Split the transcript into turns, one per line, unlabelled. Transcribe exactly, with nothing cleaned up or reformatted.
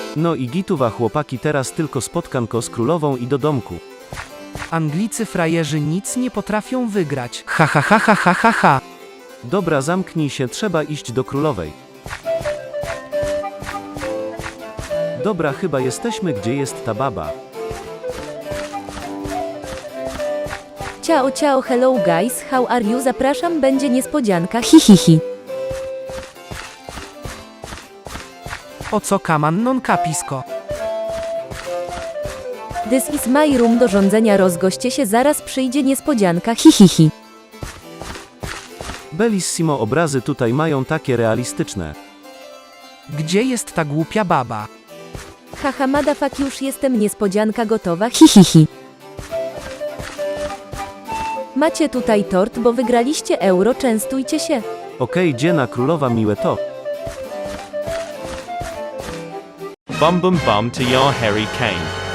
No i gituwa chłopaki, teraz tylko spotkanko z królową i do domku.
Anglicy frajerzy nic nie potrafią wygrać. Ha ha ha ha ha ha ha.
Dobra, zamknij się, trzeba iść do królowej. Dobra, chyba jesteśmy, gdzie jest ta baba.
Ciao ciao hello guys, how are you? Zapraszam, będzie niespodzianka, hihihi.
O co kaman non capisco.
This is my room do rządzenia, rozgoście się, zaraz przyjdzie niespodzianka, hihihi.
Bellissimo, obrazy tutaj mają takie realistyczne.
Gdzie jest ta głupia baba?
Haha motherfuck, już jestem, niespodzianka gotowa, hihihi. Macie tutaj tort, bo wygraliście euro, częstujcie się.
Okej, dziena królowa, miłe to.
Bum bum bum to your Harry Kane.